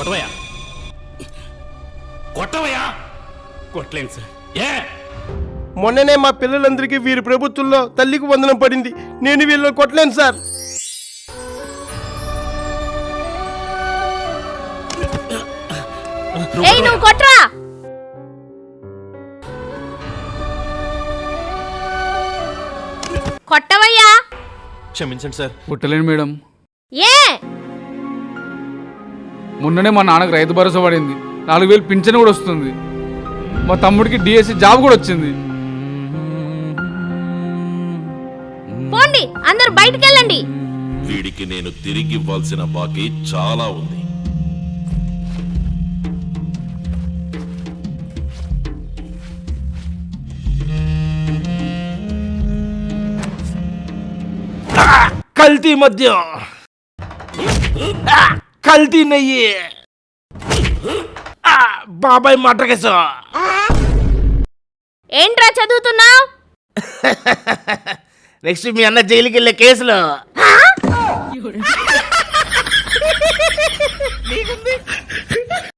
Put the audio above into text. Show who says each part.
Speaker 1: కొట్టవయ్యా, కొట్టవయ్యా. కొట్టలేను sir. ఏ
Speaker 2: మొన్ననే మా పిల్లలందరికీ వీరి ప్రభుత్వంలో తల్లికి వందనం పడింది. నేను వీళ్ళని కొట్టలేను సార్.
Speaker 3: నువ్వు కొట్రా. కొట్టవయ్యా.
Speaker 1: క్షమించండి సార్.
Speaker 4: కొట్టలేను మేడం.
Speaker 3: ఏ
Speaker 4: మొన్ననే మా నాన్నకు రైతు భరోసా పడింది, 4000 పింఛన్ కూడా వస్తుంది. మా తమ్ముడికి డిఎస్సి జాబ్ కూడా వచ్చింది.
Speaker 3: పోండి, అందరు బయటికి వెళ్ళండి.
Speaker 5: వీడికి నేను తిరిగి ఇవ్వాల్సిన బాకీ చాలా ఉంది.
Speaker 2: కల్తీ మద్యం, కల్తీ నెయ్యి, బాబాయ్ మటర్ కేసు.
Speaker 3: ఏంట్రా చదువుతున్నావు?
Speaker 2: నెక్స్ట్ మీ అన్న జైలుకి వెళ్ళే కేసులో.